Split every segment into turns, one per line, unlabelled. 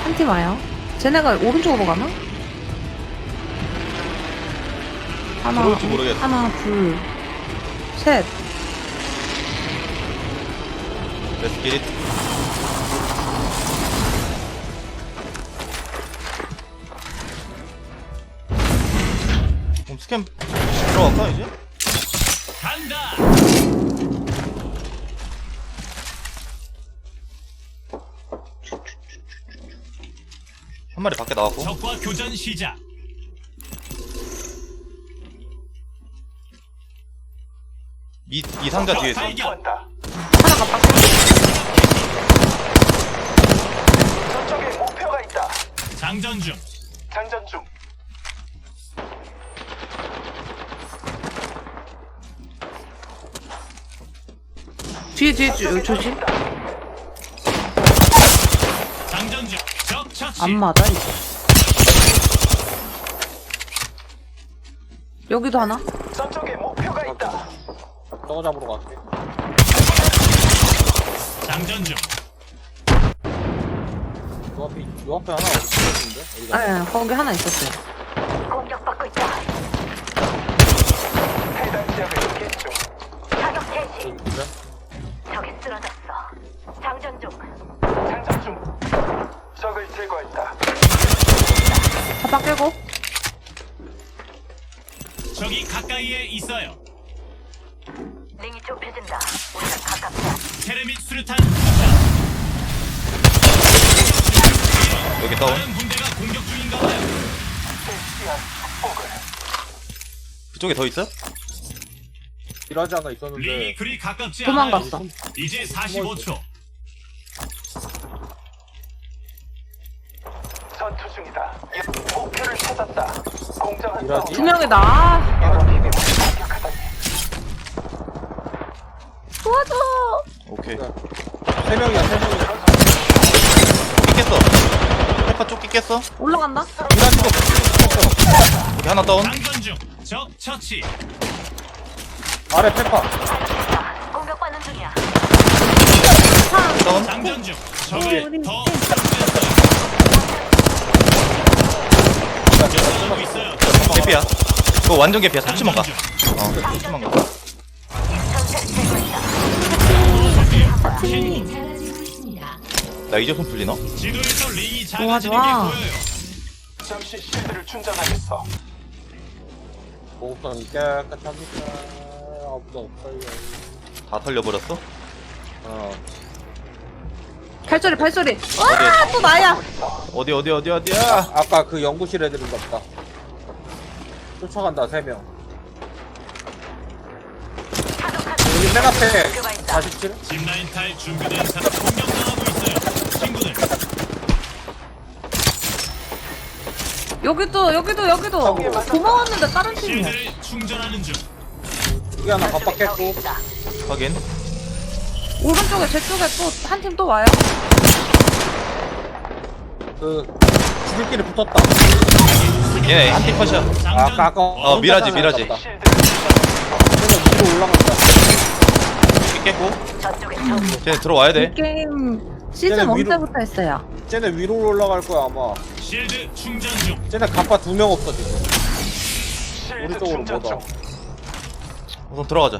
한 팀 와요. 쟤네가 오른쪽으로 가나? 하나,
들어올지 모르겠어.
하나, 둘, 셋.
Let's get it. 그럼 스캔 들어갈까 이제?
간다.
한 마리 밖에 나왔고.
적과 교전 시작.
이 상자 뒤에 있어.
발견.
하나가 밖에.
저쪽에 목표가 있다.
장전 중.
장전 중.
뒤에, 조심.
장전 중. 적 처치.
안 맞아, 이거. 여기도 하나?
저쪽에 목표가 있다.
저거 잡으러 갈게.
장전 중.
요 앞에 하나 없었는데? 어디가?
네, 거기 하나 있었어요.
공격받고 있다.
해당 지역을 스캔 중.
사격 개시.
저기 그래?
적이 쓰러졌어. 장전 중.
장전 중. 적을 제거했다.
바닥 깨고.
적이 가까이에 있어요.
링이 좁혀진다. 우리는 가깝다.
테레밋 수류탄 투척.
여기 다운.
다른 군대가 공격 중인가 봐요.
실시한 폭을.
그쪽에 더 있어?
일하지 않아
링이
있었는데.
그리 가깝지
도망갔어.
않아요. 이제 45초.
전투 중이다. 목표를 찾았다. 공정한
이러지?
두 명이다. 아,
연합팀이 공격하다니.
도와줘.
오케이.
세 명이야, 세 명이야.
조끼 깼어. 페파 조끼 깼어.
올라간다.
일하는 거 붙였어.
여기 하나 다운.
장전 중. 적 처치.
아래 페파.
공격받는 중이야.
다운.
장전 중. 적을
우리
더
팀.
습득했어요. 연습하고 있어요.
개피야. 그거 완전 개피야. 터치만 가.
장전 중.
터치만 가.
전체를 제거했다.
나 이제 손 풀리나?
지도에서 링이
좋아,
작아지는 게
좋아.
보여요.
잠시 실드를 충전하겠어.
보급선이 깨끗합니까? 아무도 없어요.
다 털려버렸어?
어.
발소리, 발소리. 와, 또 나야.
어디야?
아까 그 연구실 애들인 것 같다. 쫓아간다, 세 명. 여기 맨 앞에 47?
짚라인 탈 준비된 사람 공격당하고 있어요. 친구들.
여기도. 고마웠는데 다른 팀이야.
실드를 충전하는 중.
여기 하나 깜빡했고.
확인.
오른쪽에 제 쪽에 또 한 팀 또 와요.
그, 지들끼리 붙었다.
얘네 한팀 컷이야.
아까
어,
미라지.
실드를 충전하겠어.
쟤네 위로 올라간다.
조끼 깼고.
저쪽에
쟤네 들어와야
이
돼.
게임 시즌
쟤네
1
위로-
때부터 했어요.
쟤네 위로 올라갈 거야, 아마.
실드 충전 중.
쟤네 갑바 2명 없어, 지금. 우리
실드
쪽으로
충전
못 와.
중.
우선 들어가자.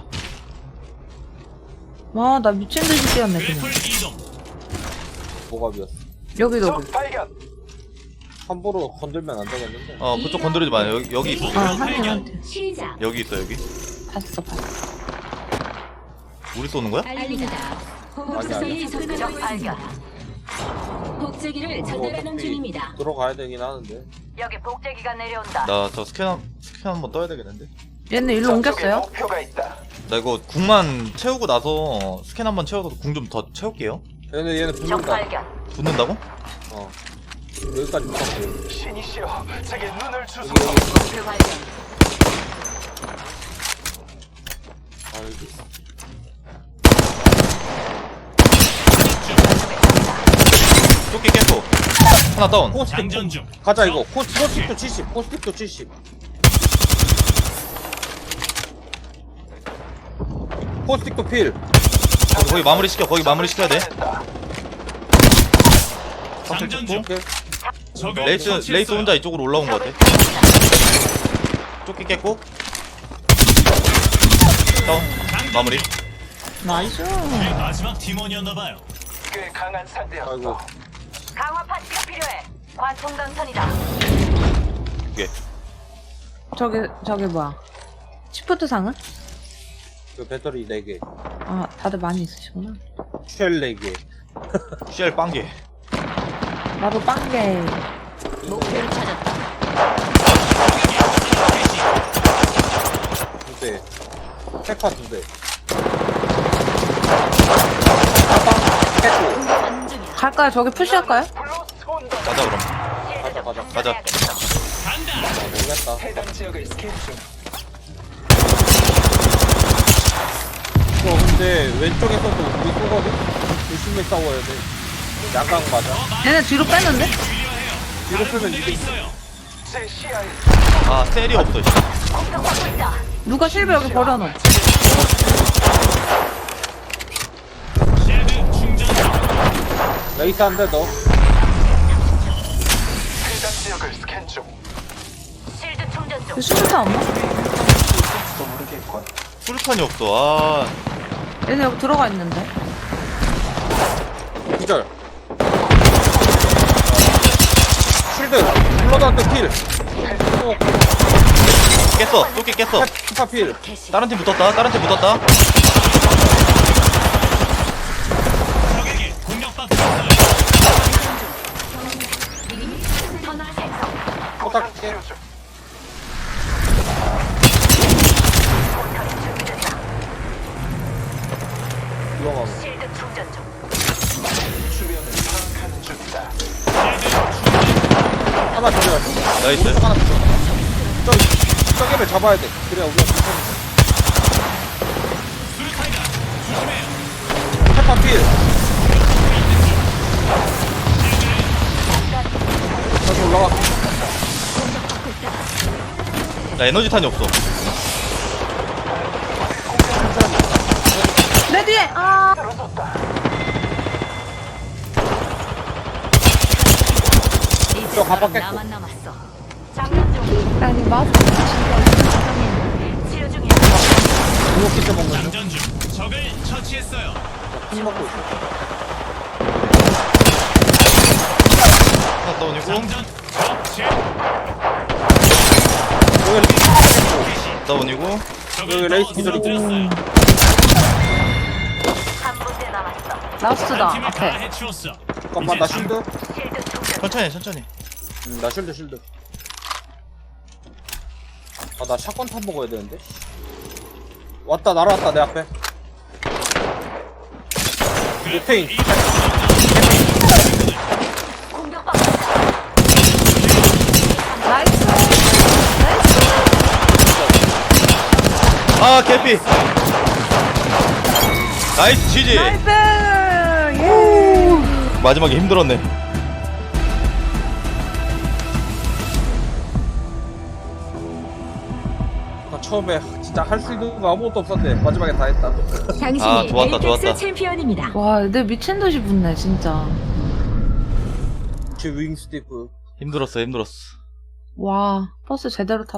와, 나 미친 듯이 뛰었네, 그냥.
래플 이동.
뭐가 비었어.
여기도.
적 발견.
함부로 건들면 안 되겠는데.
그쪽 건드리지 마. 여기 있어.
한 팀.
여기 있어 여기.
봤어.
우리 쏘는 거야?
알립니다.
아니.
보급선이 접근하고
발견.
있습니다. 복제기를 전달하는 중입니다.
들어가야 되긴 하는데.
여기 복제기가 내려온다.
나 저 스캔 한번 떠야 되겠는데.
얘는 일로
저쪽에
옮겼어요?
목표가 있다.
나 이거 궁만 채우고 나서 스캔 한번 채워서 궁 좀 더 채울게요.
얘네
적
붙는다.
발견.
붙는다고?
어. 여기까지 붙었고.
신이시여, 제게 눈을 주소서.
목표 발견.
아, 여기.
조끼 깼고. 하나 다운.
코스틱.
장전 중.
가자, 이거. 코스틱도 70. 코스틱도 70. 코스틱도 필.
거기 마무리 시켜. 거기 마무리 시켜야 돼.
장전 중.
오케이.
적을
레이스
처치했어요.
혼자 이쪽으로 올라온 거 같아. 쫓기 깼고. 다운. 마무리.
나이스.
내 마지막 팀원이었나봐요.
꽤 강한 상대였어.
아이고.
강화 파츠가 필요해. 관통 강선이다.
두 개.
저기 뭐야. 시프트 상은?
그 배터리 4개.
아, 다들 많이 있으시구나.
쉘 4개.
쉘 빵개.
나도 빵개.
목표를 찾았다.
2대. 페파 2대.
가는 중이야.
갈까요? 저기 푸시할까요?
블로스트 온다.
가자 그럼.
실드 좀
가자.
충전해야겠어.
간다.
모르겠다.
해당 지역을 스캔 중.
근데 왼쪽에서도 우리 쏘거든? 조심히 싸워야 돼. 양강 맞아.
얘네 뒤로 뺐는데?
뒤로 쓰면
내가
이게
있어요.
제 시야에
아 셀이 없어. 씨.
공격받고 있다.
누가 실버 여기 버려놓.
쉴드 충전 중.
레이스 한 대 더.
해당 지역을 스캔 중.
실드 충전 중.
그 수류탄 없나?
있을지도 모르겠군.
수류탄이 없어. 아
얘네 여기 들어가 있는데.
기절. 쉴드. 블러드한테 킬.
깼어. 쫓기 깼어.
페파 필.
다른 팀 붙었다.
적에게 공격받고 있어요.
터널 생성.
포탁 킬.
치료 중.
포털이 준비됐다.
이용하고.
실드 충전 중.
주변을 파악하는 중이다.
하나 기절.
나이스.
오른쪽 하나 기절. 저기를 잡아야 돼. 그래야 우리가 괜찮은
수류탄이다. 조심해요.
페파 필. 다시 올라가.
나 에너지탄이 없어.
내 뒤에! 아!
이제
저 가방
너랑
깼고.
나만 남았어.
장전 중.
아니, 마스크
치료 중이야.
이거 키트 먹는 중.
장전 중. 적을 처치했어요.
술 먹고 있어.
하나 다운이고.
장전. 처치.
다운이고.
적을
레이스
더
기절이고.
쓰러뜨렸어요.
한 군데 남았어.
라스트다,
팀을 다
앞에.
해치웠어.
잠깐만 나 쉴드.
실드 충전.
천천히.
나 쉴드. 아 나 샷건 탄 먹어야 되는데. 왔다 날아왔다 내 앞에. 오케이.
공격받고 있다.
나이스!
아 개피. 나이스 지지.
나이스! 예!
마지막에 힘들었네.
나 처음에 진짜 할 수 있는 거 아무것도 없었는데 마지막에 다 했다.
당신이
아, 좋았다.
에이펙스 챔피언입니다.
와, 내 미친 듯이 붙네, 진짜.
제 윙 스티프.
힘들었어.
와, 버스 제대로 탔다.